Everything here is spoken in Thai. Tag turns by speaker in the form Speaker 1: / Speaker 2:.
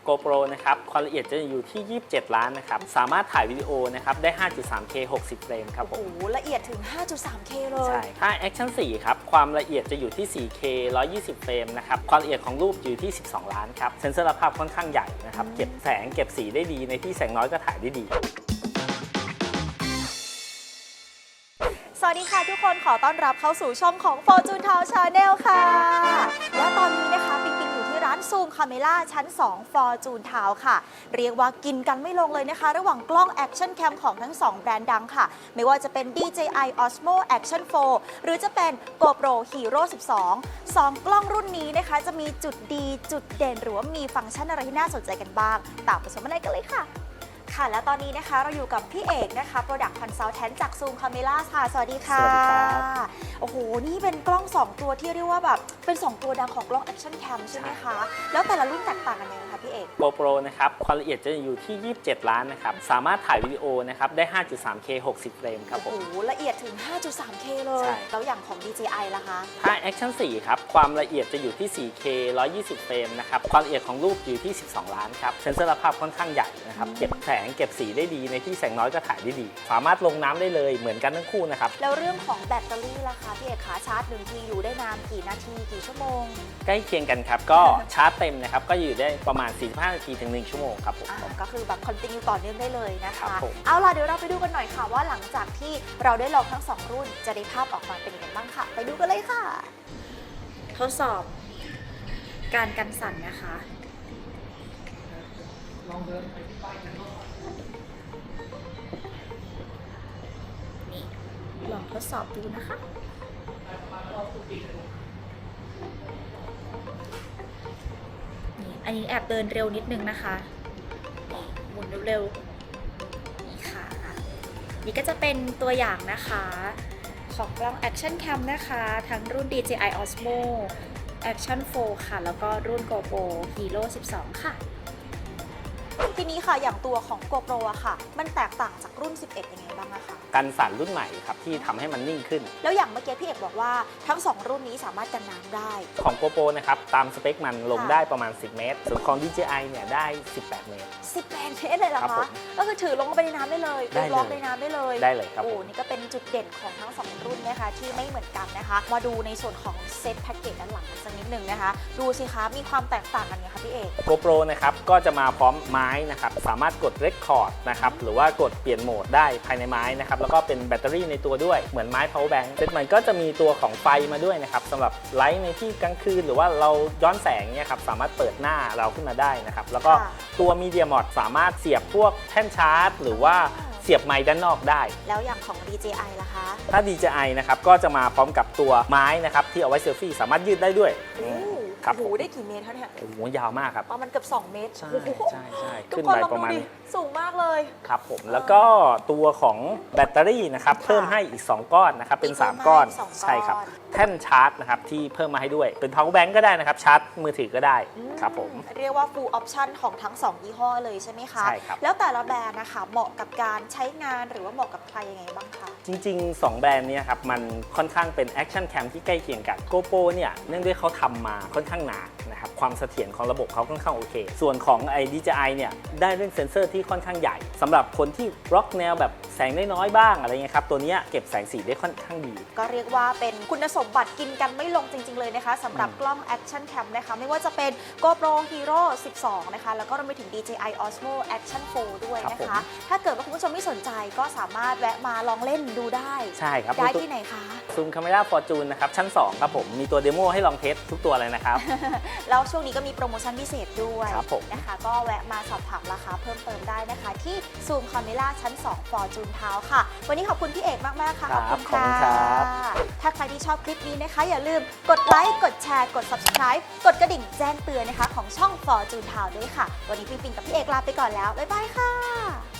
Speaker 1: GoPro นะครับความละเอียดจะอยู่ที่ 27 ล้านนะครับสามารถถ่ายวิดีโอนะครับได้ 5.3K 60 เฟรมครับผม
Speaker 2: โอ้โหละเอียดถึง 5.3K เลย
Speaker 1: ใช่ถ้า Action 4 ครับความละเอียดจะอยู่ที่ 4K 120 เฟรมนะครับความละเอียดของรูปอยู่ที่ 12 ล้านครับเซนเซอร์ภาพค่อนข้างใหญ่นะครับเก็บแสงเก็บสีได้ดีในที่แสงน้อยก็ถ่ายได้ดี
Speaker 2: สวัสดีค่ะทุกคนขอต้อนรับเข้าสู่ช่องของ Fortune Town Channel ค่ะและตอนนี้นะคะปิงอยู่ที่ร้านซูมคาเมล่าชั้น 2 Fortune Town ค่ะเรียกว่ากินกันไม่ลงเลยนะคะระหว่างกล้อง Action Cam ของทั้ง 2 แบรนด์ดังค่ะไม่ว่าจะเป็น DJI Osmo Action 4 หรือจะเป็น GoPro Hero 12 2 กล้องรุ่นนี้นะคะจะมีจุดดีจุดเด่นหรือว่ามีฟังก์ชันอะไรที่น่าสนใจกันบ้างตามไปชมกันเลยค่ะค่ะและตอนนี้นะคะเราอยู่กับพี่เอกนะคะ Product Consultant จาก Zoom Camera ค่ะสวัสดีค่ะ
Speaker 1: สวัสดีครับ
Speaker 2: โอ้โหนี่เป็นกล้อง 2 ตัวที่เรียกว่าแบบเป็น 2 ตัวดังของกล้อง Action Cam ใช่ไหมคะแล้วแต่ละรุ่นแตกต่างกันยังไงคะพี่เอก
Speaker 1: GoPro นะครับความละเอียดจะอยู่ที่ 27 ล้านนะครับสามารถถ่ายวิดีโอนะครับได้ 5.3K 60 เฟรมครับผม
Speaker 2: โอ้โหละเอียดถึง 5.3K เลย
Speaker 1: ใช่
Speaker 2: แล้วอย่างของ DJI ล่ะคะ
Speaker 1: ถ้า Action 4 ครับความละเอียดจะอยู่ที่ 4K 120 เฟรมนะครับความละเอียดของรูปอยู่ที่ 12 ล้านครับเซนเซอร์ภาพค่อนข้างใหญ่นะครับเก็บแสงเก็บสีได้ดีในที่แสงน้อยก็ถ่ายได้ดีสามารถลงน้ำได้เลยเหมือนกันทั้งคู่นะครับ
Speaker 2: แล้วเรื่องของแบตเตอรี่ล่ะคะพี่เอกคะชาร์จ1 ทีอยู่ได้นานกี่นาทีกี่ชั่วโมง
Speaker 1: ใกล้เคียงกันครับก็ชาร์จเต็มนะครับก็อยู่ได้ประมาณ 45 นาทีถึง 1 ชั่วโมงครับผม
Speaker 2: ก็คือแบบคอนติเนียต่อเนื่องได้เลยนะ
Speaker 1: ครั
Speaker 2: คะ
Speaker 1: บผม
Speaker 2: เอาล่ะเดี๋ยวเราไปดูกันหน่อยค่ะว่าหลังจากที่เราได้ลองทั้ง 2 รุ่นจะได้ภาพออกมาเป็นยังไงบ้างค่ะ ไปดูกันเลยค่ะ ทดสอบการกันสั่นนะคะนี่ลองทดสอบดูนะคะนี่อันนี้แอบเดินเร็วนิดนึงนะคะนี่หมุนเร็วๆนี่ค่ะนี่ก็จะเป็นตัวอย่างนะคะของกล้อง Action Cam นะคะทั้งรุ่น DJI Osmo Action 4 ค่ะแล้วก็รุ่น GoPro Hero 12 ค่ะทีนี้ค่ะอย่างตัวของ GoPro อะค่ะมันแตกต่างจากรุ่น 11 ยังไงบ้างอะคะ
Speaker 1: กันสั่นรุ่นใหม่ครับที่ทำให้มันนิ่งขึ้น
Speaker 2: แล้วอย่างเมื่อกี้พี่เอกบอกว่าทั้ง 2 รุ่นนี้สามารถกันน้ำได้
Speaker 1: ของ GoPro นะครับตามสเปคมันลง
Speaker 2: ค่ะ
Speaker 1: ได้ประมาณ 10 เมตร ส่วนของ DJI เนี่ยได้ 18 เมตร
Speaker 2: 18 เมตรเลยเหรอ
Speaker 1: ครับผ
Speaker 2: คะ
Speaker 1: ม
Speaker 2: ก็คือถือลงไปในน้ำได้เลย
Speaker 1: ได้เลย
Speaker 2: ล็อกในน้ำได้เลย
Speaker 1: ได้เลยครับ
Speaker 2: โอ้
Speaker 1: ผม
Speaker 2: นี่ก็เป็นจุดเด่นของทั้ง 2 รุ่นนะคะที่ไม่เหมือนกันนะคะ มาดูในส่วนของเซตแพ็กเกจด้านหลังกันสักนิดหนึ่งนะคะ ดูสิคะมีความแตกต่างกันไงคะพี่เอก
Speaker 1: GoPro นะครับก็จะมาพร้อมไม้นะครับสามารถกด Record นะครับหรือว่ากดเปลี่ยนโหมดได้ภายในไม้นะครับแล้วก็เป็นแบตเตอรี่ในตัวด้วยเหมือนไม้ power bank เซตมันก็จะมีตัวของไฟมาด้วยนะครับสำหรับไลท์ในที่กลางคืนหรือว่าเราย้อนแสงเนี่ยครับสามารถเปิดหน้าเราขึ้นมาได้นะครับแล้วก็ตัว Media Mod สามารถเสียบพวกแท่นชาร์จ หรือว่าเสียบไมค์ด้านนอกได้
Speaker 2: แล้วอย่างของ DJI ล่ะคะ
Speaker 1: ถ้า DJI นะครับก็จะมาพร้อมกับตัวไม้นะครับที่เอาไว้เซลฟี่สามารถยืดได้ด้วย
Speaker 2: โอ้
Speaker 1: ครับ
Speaker 2: โหได้กี่เมตรคะเนี่ย
Speaker 1: โอ้โหยาวมากครับ
Speaker 2: ประมาณเกือบ2 เมตร
Speaker 1: ใช่
Speaker 2: โอ้โห
Speaker 1: ใช่ใช่
Speaker 2: ทุ
Speaker 1: ขึ้
Speaker 2: ก
Speaker 1: น
Speaker 2: คน
Speaker 1: ไป
Speaker 2: ลอง
Speaker 1: ป
Speaker 2: ดู
Speaker 1: ระมาณ
Speaker 2: ดิสูงมากเลย
Speaker 1: ครับผมแล้วก็ตัวของแบตเตอรี่นะครับ
Speaker 2: ค่ะ
Speaker 1: เพิ่มให้อีก 2 ก้อนนะครับเป็น
Speaker 2: อีกเพิ่ม
Speaker 1: 3 ก้อน
Speaker 2: ให้อีก2
Speaker 1: ใช่ครับ
Speaker 2: ก้อน
Speaker 1: แท่นชาร์จนะครับที่เพิ่มมาให้ด้วยเป็น power bank ก็ได้นะครับชาร์จมือถือก็ได้ครับผม
Speaker 2: เรียกว่า full option ของทั้ง 2 ยี่ห้อเลยใช่ไหมคะ
Speaker 1: ใช่ครับ
Speaker 2: แล้วแต่ละแบรนด์นะคะเหมาะกับการใช้งานหรือว่าเหมาะกับใครยังไงบ้างคะ
Speaker 1: จริงๆ 2 แบรนด์เนี้ครับมันค่อนข้างเป็น Action Cam ที่ใกล้เคียงกัน GoPro เนี่ยเนื่องด้วยเขาทำมาค่อนข้างหนานะครับความเสถียรของระบบเขาค่อนข้างโอเค ส่วนของไอ้ DJI เนี่ยได้เรื่องเซนเซอร์ที่ค่อนข้างใหญ่สำหรับคนที่ร็อกแนวแบบแสงน้อยๆบ้างอะไรเงี้ยครับตัวเนี้ยเก็บแสงสีได้ค่อนข้างดี
Speaker 2: ก็เรียกว่าเป็นคุณสมบัติกินกันไม่ลงจริง ๆ เลยนะคะสำหรับกล้อง Action Cam นะคะไม่ว่าจะเป็น GoPro Hero 12 นะคะแล้วก็รวมไปถึง DJI Osmo Action 4 ด้วยนะ
Speaker 1: ครั
Speaker 2: คะ
Speaker 1: บผม
Speaker 2: ถ้าเกิดว่าคุณผู้ชมไม่สนใจก็สามารถแวะมาลองเล่นดูได้
Speaker 1: ใช่ครับ
Speaker 2: ได้ที่ไหนคะ
Speaker 1: ซูมคาเมล่าฟอร์จูนนะครับชั้น 2 ครับผมมีตัวเดโมให้ลองเทสทุกตัวเลยนะครับ
Speaker 2: แล้วช่วงนี้ก็มีโปรโมชั่นพิเศษด้วย
Speaker 1: ครับผม
Speaker 2: นะคะก็แวะมาสอบถามราคาเพิ่มเติมได้นะคะ ที่ Zoom Camera ชั้น 2 Fortune Town ค่ะ วันนี้ขอบคุณพี่เอกมาก ๆ ค่ะ
Speaker 1: ครับ
Speaker 2: ขอบคุณค่ะ
Speaker 1: ขอบคุณครับ
Speaker 2: ถ้าใครที่ชอบคลิปนี้นะคะ อย่าลืมกดไลค์ กดแชร์ กด Subscribe กดกระดิ่งแจ้งเตือนนะคะ ของช่อง Fortune Town ด้วยค่ะ วันนี้ปิงปิงกับพี่เอกลาไปก่อนแล้ว บ๊ายบายค่ะ